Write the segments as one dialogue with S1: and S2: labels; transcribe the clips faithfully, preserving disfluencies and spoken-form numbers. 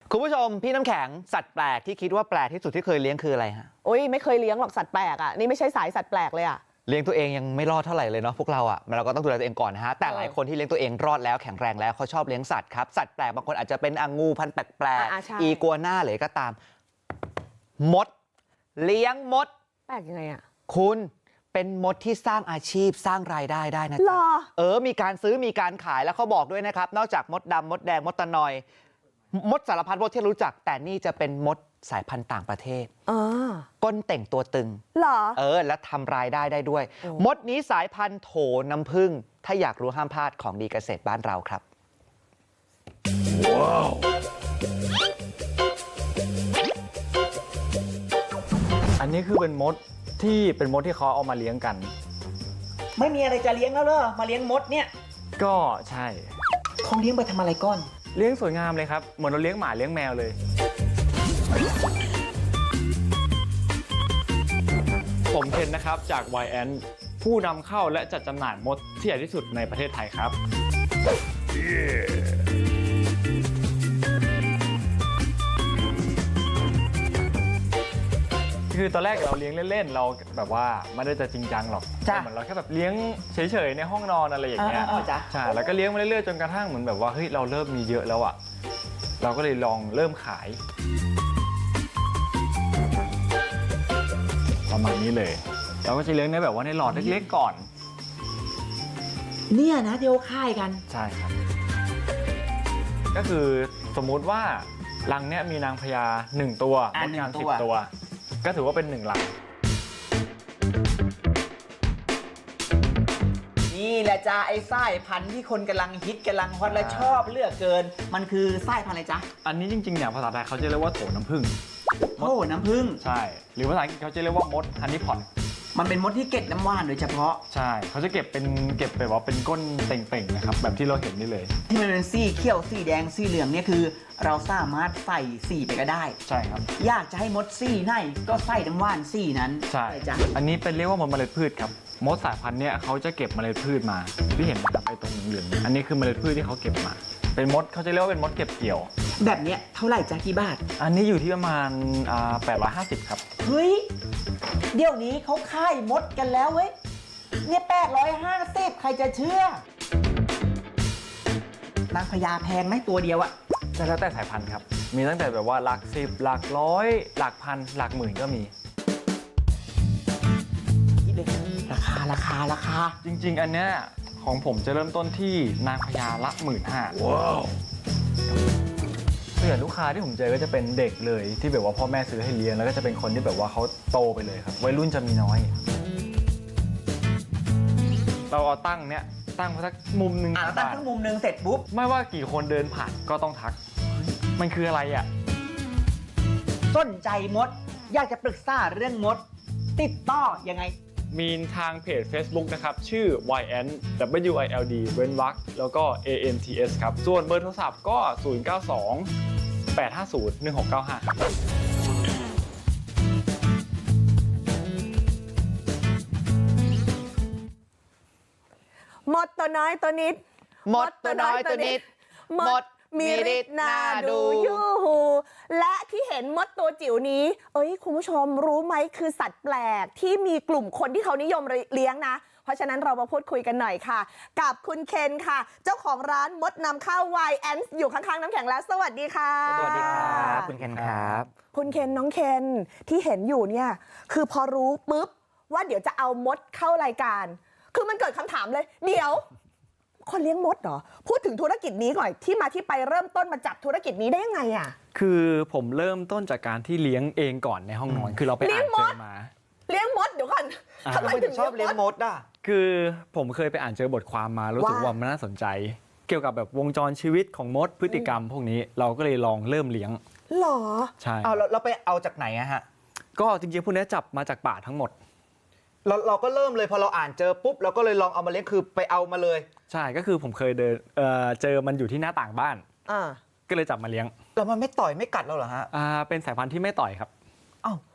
S1: คุณผู้ชมพี่น้ำแข็งสัตว์แปลกที่คิดว่าแปลกที่สุดที่เคยเลี้ยงคืออะไรฮะ
S2: โอ้ยไม่เคยเลี้ยงหรอกสัตว์แปลกอ่ะนี่ไม่ใช่สายสัตว์แปลกเลยอ่ะ
S1: เลี้ยงตัวเองยังไม่รอดเท่าไหร่เลยเนาะพวกเราอ่ะเราก็ต้องดูแลตัวเองก่อนนะฮะแต่หลายคนที่เลี้ยงตัวเองรอดแล้วแข็งแรงแล้วเขาชอบเลี้ยงสัตว์ครับสัตว์แปลกบางคนอาจจะเป็นองูพันธุ์แปลกๆอีกัวน่าหรือก็ตามมดเลี้ยงมด
S2: แปลกยังไงอ่ะ
S1: คุณเป็นมดที่สร้างอาชีพสร้างรายได้ได้นะจ๊ะเออมีการซื้อมีการขายแล้วเขาบอกด้วยนะครับนอกจากมดดำมดแดงมดตะนอยมดสารพัดมดที่รู้จักแต่นี่จะเป็นมดสายพันธุ์ต่างประเทศก้นเต่งตัวตึง
S2: เหรอ
S1: เออและทำรายได้ได้ด้วยมดนี้สายพันธุ์โถน้ำผึ้งถ้าอยากรู้ห้ามพลาดของดีเกษตรบ้านเราครับว้าว
S3: อันนี้คือเป็นมดที่เป็นมดที่เขาเอามาเลี้ยงกัน
S4: ไม่มีอะไรจะเลี้ยงแล้วเหรอมาเลี้ยงมดเนี่ย
S3: ก็ใช่
S4: เขาเลี้ยงไปทำอะไรก้อน
S3: เลี้ยงสวยงามเลยครับเหมือนเราเลี้ยงหมาเลี้ยงแมวเลยผมเคนนะครับจาก วาย แอน ผู้นำเข้าและจัดจำหน่ายมดที่ใหญ่ที่สุดในประเทศไทยครับ yeah. คือตอนแรกเราเลี้ยงเล่นๆเราแบบว่าไม่ได้จะจริงจังหรอกเหมือนเราแค่แบบเลี้ยงเฉยๆในห้องนอนอะไรอย่างเงี้ยใช่แล้วก็เลี้ยงมาเรื่อยๆจนกระทั่งเหมือนแบบว่าเฮ้ยเราเริ่มมีเยอะแล้วอ่ะเราก็เลยลองเริ่มขายประมาณนี้เลยเราก็จะเลี้ยงในแบบว่าในหลอดเล็กๆก่อน
S4: เนี่ยนะเดี๋ยวค่ายกัน
S3: ใช่ครับก็คือสมมุติว่ารังเนี้ยมีนางพญาหนึ่งตัวมดงานสิบตัวก็ถือว่าเป็นหนึ่งรัง
S4: นี่แหละจ้าไอ้ไส้พันธุ์ที่คนกำลังฮิตกำลังฮอตและชอบเลือกเกินมันคือไส้พันธุ์อะไรจ๊ะ
S3: อันนี้จริงๆเนี่ยภาษาไทยเขาจะเรียกว่าโถน้ำผึ้ง
S4: โถน้ำผึ้ง
S3: ใช่หรือภาษาอังกฤษเขาจะเรียกว่ามดฮันนี่พอต
S4: มันเป็นมดที่เก็บน้ำว่านโดยเฉพาะ
S3: ใช่เขาจะเก็บเป็นเก็บแบบว่าเป็นก้นเต่งๆนะครับแบบที่เราเห็นนี่เลย
S4: ที่มันเป็นสีเขียวสีแดงสีเหลืองเนี่ยคือเราสามารถใส่สีไปก็ได้
S3: ใช่ครับ
S4: อยากจะให้มดสีไหนก็ใส่น้ำว่านสีนั้น
S3: ใช่จ้ะอันนี้เป็นเรียกว่ามดเมล็ดพืชครับมดสายพันธุ์เนี่ยเขาจะเก็บเมล็ดพืชมาที่เห็นนะครับไอ้ตรงเหลืองๆอันนี้คือเมล็ดพืชที่เขาเก็บมาเป็นมดเขาจะเรียกว่าเป็นมดเก็บเกี่ยว
S4: แบบเนี้ยเท่าไหร่จ๊ะกี่บาท
S3: อันนี้อยู่ที่ประมาณแปดร้อยห้าสิบครับ
S4: เฮ้ยเดี๋ยวนี้เขาค่ายมดกันแล้วเว้ยเนี่ยแปดร้อยห้าสิบใครจะเชื่อนางพญาแพงไหมตัวเดียวอะ
S3: จะแล้วแต่สายพันธุ์ครับมีตั้งแต่แบบว่าหลักสิบหลักร้อยหลักพันหลักหมื่นก็มี
S4: คิดเลยราคาราคาราคา
S3: จริงๆอันเนี้ยของผมจะเริ่มต้นที่นางพญาละหมื่นห้าว้าวส่วนใหญ่ลูกค้าที่ผมเจอก็จะเป็นเด็กเลยที่แบบว่าพ่อแม่ซื้อให้เลี้ยงแล้วก็จะเป็นคนที่แบบว่าเขาโตไปเลยครับวัยรุ่นจะมีน้อยเราเอาตั้งเนี้ยตั้งมาสักมุมหนึ่ง
S4: อ่ะตั้งสักมุมหนึ่งเสร็จปุ๊บ
S3: ไม่ว่ากี่คนเดินผ่านก็ต้องทักมันคืออะไรอ่ะ
S4: สนใจมดอยากจะปรึกษาเรื่องมดติดต่อยังไง
S3: มีทางเพจ Facebook นะครับชื่อ วาย แอน ดับเบิลยู ไอ แอล ดี เว้นวรรคแล้วก็ เอ เอ็น ที เอส ครับส่วนเบอร์โทรศัพท์ก็ ศูนย์ เก้า สอง แปด ห้า ศูนย์ หนึ่ง หก เก้า ห้า ครับ
S2: มดตัวน้อยตัวนิด
S1: มดตัวน้อยตัวนิดมดมีฤทธิ์น่าดู
S2: ยูหูและที่เห็นมดตัวจิ๋วนี้เอ้ยคุณผู้ชมรู้ไหมคือสัตว์แปลกที่มีกลุ่มคนที่เขานิยมเลี้ยงนะเพราะฉะนั้นเรามาพูดคุยกันหน่อยค่ะกับคุณเคนค่ะเจ้าของร้านมดนำเข้า วาย แอน อยู่ข้างๆน้ำแข็งแล้วสวัสดีค่ะ
S1: สวัสดีครับคุณเคนครับ
S2: คุณเคนน้องเคนที่เห็นอยู่เนี่ยคือพอรู้ปุ๊บว่าเดี๋ยวจะเอามดเข้ารายการคือมันเกิดคำถามเลยเดี๋ยวคนเลี้ยงมดเหรอพูดถึงธุรกิจนี้ก่อนที่มาที่ไปเริ่มต้นมาจับธุรกิจนี้ได้ยังไงอ่ะ
S3: คือผมเริ่มต้นจากการที่เลี้ยงเองก่อนในห้องนอนคือเราไปอ่านเจอมา
S2: เลี้ยงมดเดี๋ยวก่อน
S1: ทำไมถึงชอบเลี้ยงมดอ่ะ
S3: คือผมเคยไปอ่านเจอบทความมารู้สึกว่ามันน่าสนใจเกี่ยวกับแบบวงจรชีวิตของมดพฤติกรรมพวกนี้เราก็เลยลองเริ่มเลี้ยง
S2: หรอ
S3: ใช่
S1: เอาเราไปเอาจากไหนอะฮะ
S3: ก็จริงๆพวกนี้จับมาจากป่าทั้งหมด
S1: เราเราก็เริ่มเลยพอเราอ่านเจอปุ๊บเราก็เลยลองเอามาเลี้ยงคือไปเอามาเลย
S3: ใช่ก็คือผมเคยเดินเอ่อเจอมันอยู่ที่หน้าต่างบ้านอ่าก็เลยจับมาเลี้ยง
S1: แล้วมันไม่ต่อยไม่กัดเราเหรอฮะ
S3: อ่าเป็นสายพันธุ์ที่ไม่ต่อยครับ
S1: อ้าว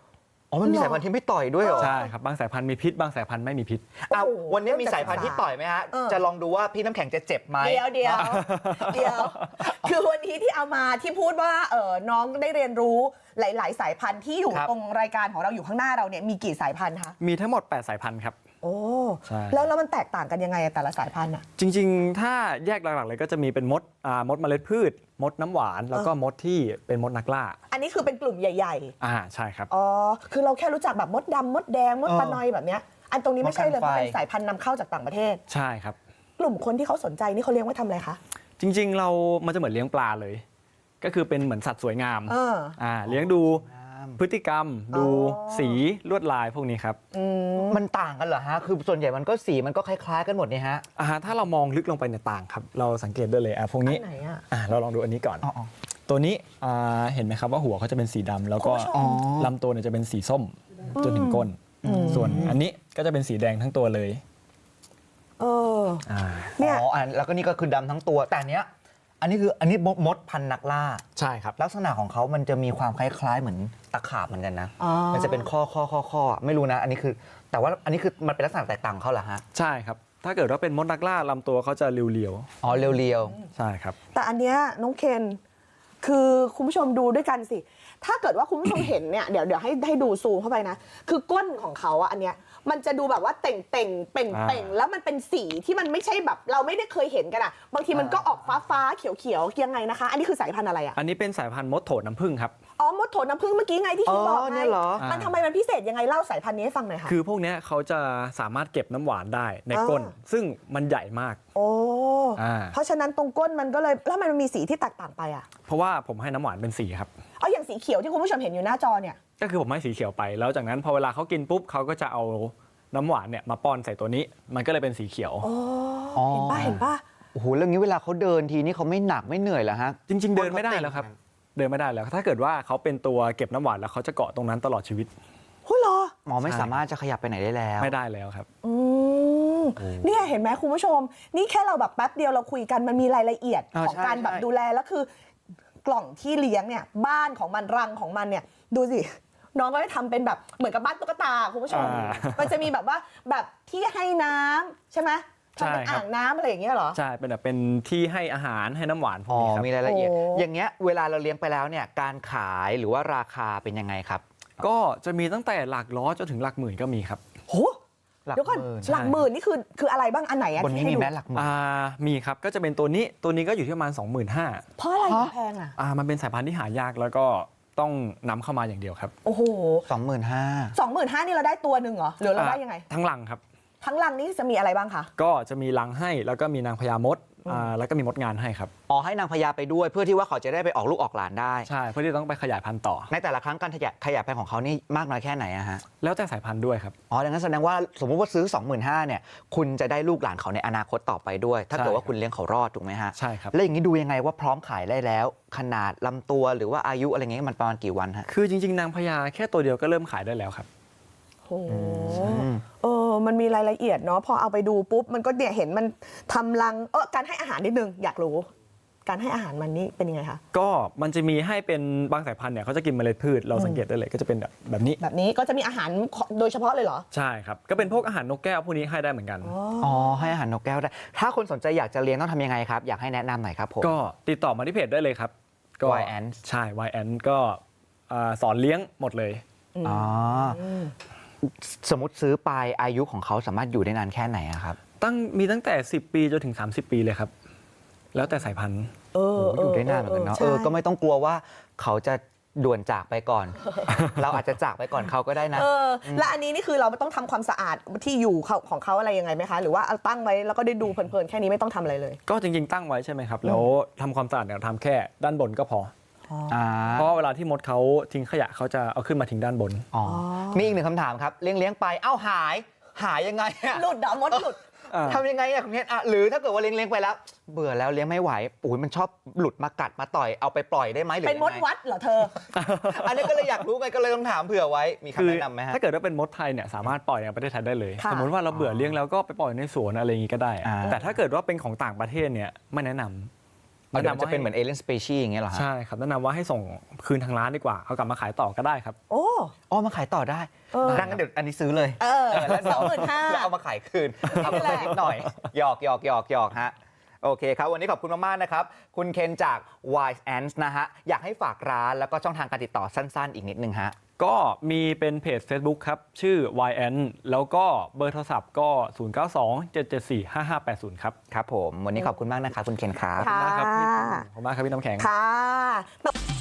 S1: อ๋อมันมีสายพันธุ์ที่ไม่ต่อยด้วยเหรอ
S3: ใช่ครับบางสายพันธุ์มีพิษบางสายพันธุ์ไม่มีพิษ
S1: อ้าววันนี้มีสายพันธุ์ที่ต่อยไหมฮะ
S2: เออ
S1: จะลองดูว่าพี่น้ำแข็งจะเจ็บไหม
S2: เดี๋ยวเดี๋ยวเดี๋ยว คือวันนี้ที่เอามาที่พูดว่าเออน้องได้เรียนรู้หลาย ๆ สายพันธุ์ที่อยู่
S1: ครับ
S2: ตรงรายการของเราอยู่ข้างหน้าเราเนี่ยมีกี่สายพันธุ์คะ
S3: มีทั้งหมดแปดสายพันธุ์ครับ
S2: โอ้
S3: ใช่
S2: แล้วแล้วมันแตกต่างกันยังไงอะแต่ละสายพันธุ์อะ
S3: จริงๆ ถ้าแยกหลักๆเลยก็จะมีเป็นมดอ่ามดเมล็ดพืช มดน้ำหวาน แล้วก็มดที่เป็นมดนักล่า
S2: อันนี้คือเป็นกลุ่มใหญ่
S3: อ่าใช่ครับ
S2: ๆอ๋อคือเราแค่รู้จักแบบมดดำมดแดงมด
S1: เออ
S2: ตะนอยแบบเนี้ยอันตรงนี้ไม่ใช่เลย
S1: มด
S2: เพ
S1: กันไฟ
S2: ราะเป็นสายพันธุ์นำเข้าจากต่างประเทศ
S3: ใช่ครับ
S2: กลุ่มคนที่เขาสนใจนี่เขาเลี้ยงไว้ทำอะไรคะ
S3: จริงๆ เรามันจะเหมือนเลี้ยงปลาเลย ก็คือเป็นเหมือนสัตว์สวยงาม
S2: เออ
S3: อ่าเลี้ยงดูพฤติกรรม ดู
S2: อ๋อ
S3: สีลวดลายพวกนี้ครับ
S2: อืม
S1: มันต่างกันเหรอฮะ คือส่วนใหญ่มันก็สีมันก็คล้ายๆกันหมดนี่ฮะ
S3: อ่าถ้าเรามองลึกลงไปในยต่างครับ เราสังเกตได้เลยอ่ะพวก
S2: อั
S3: นี้
S2: นไหนอะ
S3: อ่าเราลองดูอันนี้ก่อน
S1: อ๋อ
S3: ตัวนี้อ่าเห็นไหมครับว่าหัวเขาจะเป็นสีดำแล้วก็
S2: คุณผู้ชม
S1: อ๋อ
S3: ลำตัวเนี่ยจะเป็นสีส้มจนถึงก้น ส่วนอันนี้ก็จะเป็นสีแดงทั้งตัวเลย
S2: เออ
S3: อ่า
S2: เนี่ย
S1: อ๋ออันแล้วก็นี่ก็คือดำทั้งตัว แต่อันเนี้ย อันนี้คืออันนี้มดมดพันธุ์นักล่า
S3: ใช่ครับ
S1: ลักษณะของเขามันจะมีความคล้ายๆ เหมือนตะขาบเหมือนกันนะ
S2: อ๋อ
S1: มันจะเป็นข้อข้อข้อข้อไม่รู้นะ อันนี้คือ แต่ว่าอันนี้คือมันเป็นลักษณะแตกต่างของเขาเหรอฮะ
S3: ใช่ครับ ถ้าเกิดว่าเป็นมดนักล่าลำตัวเขาจะเรียว
S1: อ๋อเรียว
S3: ๆใช่ครับ
S2: แต่อันเนี้ยน้องเคนคือคุณผู้ชมดูด้วยกันสิ ถ้าเกิดว่าคุณผู้ชมเห็นเนี่ยเดี๋ยวเดี๋ยวให้ให้ดูซูมเข้าไปนะ คือก้นของเขาอะอันเนี้ยมันจะดูแบบว่าเต่งเต่งเป่งเป่ง
S3: อ่า
S2: แล้วมันเป็นสีที่มันไม่ใช่แบบเราไม่ได้เคยเห็นกันอะบางทีมันก็ออกฟ้าฟ้าเขียวเขียวๆยังไงนะคะ อันนี้คือสายพันธุ์อะไรอะ
S3: อันนี้เป็นสายพันธุ์มดโถน้ำผึ้งครับ
S2: อ๋อมดโถน้ำผึ้งเมื่อกี้ไงที่คุณบอก
S1: อ๋อ
S2: ไง
S1: เนี่ยเหรอ
S2: มันทำไมมันพิเศษยังไงเล่าสายพันธุ์นี้ให้ฟังหน่อยค่ะ
S3: คือพวกเนี้ยเขาจะสามารถเก็บน้ำหวานได้ในก้น
S2: อ่า
S3: ซึ่งมันใหญ่มาก
S2: โอ้
S3: อ่า
S2: เพราะฉะนั้นตรงก้นมันก็เลยแล้วมันมีสีที่แตกต่างไปอะ
S3: เพราะว่าผมให้น้ำหวานเป็นสีครับ
S2: เอาอย่างสีเขียวที่คุณผู้ชมเห็นอยู่หน้าจอเนี่ย
S3: ก็คือผมให้สีเขียวไป แล้วจากนั้นพอเวลาเขากินปุ๊บเขาก็จะเอาน้ำหวานเนี่ยมาป้อนใส่ตัวนี้ มันก็เลยเป็นสีเขียว
S2: โอ้
S1: อ๋อ
S2: เห็นป่ะเห็นป่ะ
S1: ๆโอ้โหเรื่องนี้เวลาเขาเดินทีนี่เขาไม่หนักไม่เหนื่อยเหรอฮะ
S3: จริง ๆ เดินไม่ได้แล้วครับ เดินไม่ได้แล้ว ถ้าเกิดว่าเขาเป็นตัวเก็บน้ำหวานแล้วเขาจะเกาะตรงนั้นตลอดชีวิต
S2: โอ้ยเหรอ
S1: หมอไม่
S3: ใช่
S1: สามารถจะขยับไปไหนได้แล้ว
S3: ไม่ได้แล้วครับ
S2: อืมเนี่ยเห็นไหมคุณผู้ชม นี่แค่เราแบบแป๊บเดียวเราคุยกันมันมีรายละเอียด
S1: อ่า
S2: ของ
S1: ใช่
S2: การแบบ
S1: ใช่
S2: ดูแลแล้วคือกล่องที่เลี้ยงเนี่ยบ้านของมันรังของมันเนี่ยดูสิน้องก็ได้ทำเป็นแบบเหมือนกับบ้านตุ๊กตาคุณผู้ชม
S3: อ่า
S2: มันจะมีแบบว่าแบบที่ให้น้ำใช่ไหมทำเป็น
S3: ใช่ครับ
S2: อ่างน้ำอะไรอย่างเงี้ยเหรอ
S3: ใช่เป็นแบบเป็นที่ให้อาหารให้น้ำหวานพว
S1: อ๋
S3: ก
S1: อ
S3: นี้ครับ
S1: มีรายละเอียด
S2: โอ้
S1: อย่างเงี้ยเวลาเราเลี้ยงไปแล้วเนี่ยการขายหรือว่าราคาเป็นยังไงครับ
S3: ก็จะมีตั้งแต่หลักร้อยจนถึงหลักหมื่นก็มีครับ
S2: โห
S1: หลัก
S2: เดี๋ยวก่อน
S1: หมื่น
S2: หลักหมื่นนี่คือคืออะไรบ้างอันไหนอะ
S1: บนนี้
S2: ที่ให้
S1: มี
S2: ดู
S1: แม้หลักหมื่น
S3: อ่ามีครับก็จะเป็นตัวนี้ตัวนี้ก็อยู่ที่ประมาณ สองหมื่นห้าพัน
S2: เพราะอะไร
S1: ฮะ
S2: แพงอะ
S3: อ่ามันเป็นสายพันธุ์ที่หายากแล้วก็ต้องนำเข้ามาอย่างเดียวครับ
S2: โอ้โห
S1: สองหมื่นห้า
S2: สองหมื่นห้านี่เราได้ตัวหนึ่งเหรอหรือเราได้ยังไง
S3: ทั้งลังครับ
S2: ทั้งรังนี่จะมีอะไรบ้างคะ
S3: ก็จะมีลังให้แล้วก็มีนางพญามดอ่าแล้วก็มีมดงานให้ครับ
S1: อ๋อให้นางพญาไปด้วยเพื่อที่ว่าเขาจะได้ไปออกลูกออกหลานได้
S3: ใช่เพื่อที่ต้องไปขยายพันธุ์ต่อ
S1: ในแต่ละครั้งการขยายขยายพันธุ์ของเขานี่มากน้อยแค่ไหนอะฮะ
S3: แล้วแต่สายพันธุ์ด้วยครับ
S1: อ๋อดังนั้นแสดงว่าสมมุติว่าซื้อ สองหมื่นห้าพัน เนี่ยคุณจะได้ลูกหลานเขาในอนาคตต่อไปด้วย ถ้า
S3: ใช่
S1: เกิดว่า
S3: ครับ
S1: คุณเลี้ยงเขารอดถูกไหมฮะ
S3: ใช่ครับ
S1: แล้วอย่างนี้ดูยังไงว่าพร้อมขายได้แล้ว ขนาดลำตัวหรือว่าอายุอะไรเงี้ยมันประมาณกี่วันฮะ
S3: คือจริงๆ นางพญาแค่ตัวเดียวก็เริ่มขายได้แล้วครับ
S2: โอ้เออมันมีรายละเอียดเนาะพอเอาไปดูปุ๊บมันก็เนี่ยเห็นมันทำรังเออการให้อาหารนิดนึงอยากรู้ การให้อาหารมันนี่เป็นยังไงคะ
S3: ก็มันจะมีให้เป็นบางสายพันธุ์เนี่ยเขาจะกินเมล็ดพืชเราสังเกตได้เลยก็จะเป็นแบบแบบนี้
S2: แบบนี้ก็จะมีอาหารโดยเฉพาะเลยเหรอ
S3: ใช่ครับก็เป็นพวกอาหารนกแก้วพวกนี้ให้ได้เหมือนกัน
S1: อ๋อให้อาหารนกแก้วได้ถ้าคนสนใจอยากจะเลี้ยงต้องทำยังไงครับอยากให้แนะนำหน่อยครับผม
S3: ก็ติดต่อมาที่เพจได้เลยครับก็
S1: วาย Ants
S3: ใช่ วาย Ants ก็อ่าสอนเลี้ยงหมดเลย
S1: อ๋อสมมติซื้อไปอายุของเขาสามารถอยู่ได้นานแค่ไหนอะครับ
S3: ตั้งมีตั้งแต่ สิบ ปีจนถึง สามสิบ ปีเลยครับ แล้วแต่สายพันธุ์
S2: เออ
S1: โอ้โหอยู่ได้นานเหมือนกันเนาะ
S2: ใช่
S1: เออก็ไม่ต้องกลัวว่าเขาจะด่วนจากไปก่อน เราอาจจะจากไปก่อนเขาก็ได้นะ
S2: เออและอันนี้นี่คือเราไม่ต้องทำความสะอาดที่อยู่เขาของเขาอะไรยังไงไหมคะ หรือว่าเอาตั้งไว้แล้วก็ได้ดูเพลินๆแค่นี้ไม่ต้องทำอะไรเลย
S3: ก็จริงๆตั้งไว้ใช่ไหมครับ แล้วทำความสะอาดเนี่ยทำแค่ด้านบนก็พอ
S1: อ่า
S3: เพราะเวลาที่มดเขาทิ้งขยะเขาจะเอาขึ้นมาทิ้งด้านบน
S1: อ๋อมีอีกหนึ่งคำถามครับ เลี้ยงเลี้ยงไปเอ้าหายหายยังไงอะ
S2: หลุดเหรอมดหลุด
S1: ทำยังไงอะคุณเพชรอะหรือถ้าเกิดว่าเลี้ยงเลี้ยงไปแล้ว เบื่อแล้วเลี้ยงไม่ไหวอุ้ยมันชอบหลุดมากัดมาต่อยเอาไปปล่อยได้ไหมหรือ
S2: เป็นมด
S1: ยังไง
S2: วัดเหรอเธอ
S1: อันนี้ก็เลยอยากรู้ไงก็เลยต้องถามเผื่อไว้มี
S3: คื
S1: คำ
S3: อ
S1: แนะนำไหมฮะ
S3: ถ้าเกิดว่าเป็นมดไทยเนี่ยสามารถปล่อยในประเทศไทยได้เลย
S2: ค่ะ
S3: สมมติว่าเราเบื่อเลี้ยงแล้วก็ไปปล่อยในสวนอะไรอย่างงี้ก็ได้
S1: อ่า
S3: แต่ถ้าเกิดว่าเป็นของต่างประเทศเนี่ยไม่แนะนำ
S1: เดี๋ยวมันจะเป็นเหมือนเอเลี่ยนสเปชีอย่างเงี้ยเหรอฮะ
S3: ใช่ครับแนะนำว่าให้ส่งคืนทางร้านดีกว่าเอากลับมาขายต่อก็ได้ครับ
S2: โอ้
S1: อ๋อมาขายต่อได้
S2: เออ
S1: ดังนั้นเดี๋ยวอันนี้ซื้อเลย
S2: เออ
S1: แล้ว
S2: สองหมื่นห้า
S1: แล้วเอามาขายคืนเอาไปนิดหน่อยหยอกหยอกหยอกหยอกฮะโอเคครับวันนี้ขอบคุณมากๆนะครับคุณเคนจาก Wise Ants นะฮะอยากให้ฝากร้านแล้วก็ช่องทางการติดต่อสั้น ๆ อีกนิดนึงฮะ
S3: ก็มีเป็นเพจ Facebook ครับ ชื่อ วาย เอ็น แล้วก็เบอร์โทรศัพท์ก็ ศูนย์ เก้า สอง เจ็ด เจ็ด สี่ ห้า ห้า แปด ศูนย์ ครับ
S1: ครับผมวันนี้ขอบคุณมากนะครับคุณเคนครับ
S3: ขอบคุณมากครับพี่ขอบคุณมากครับพี่น้ำแข็ง
S2: ค่ะ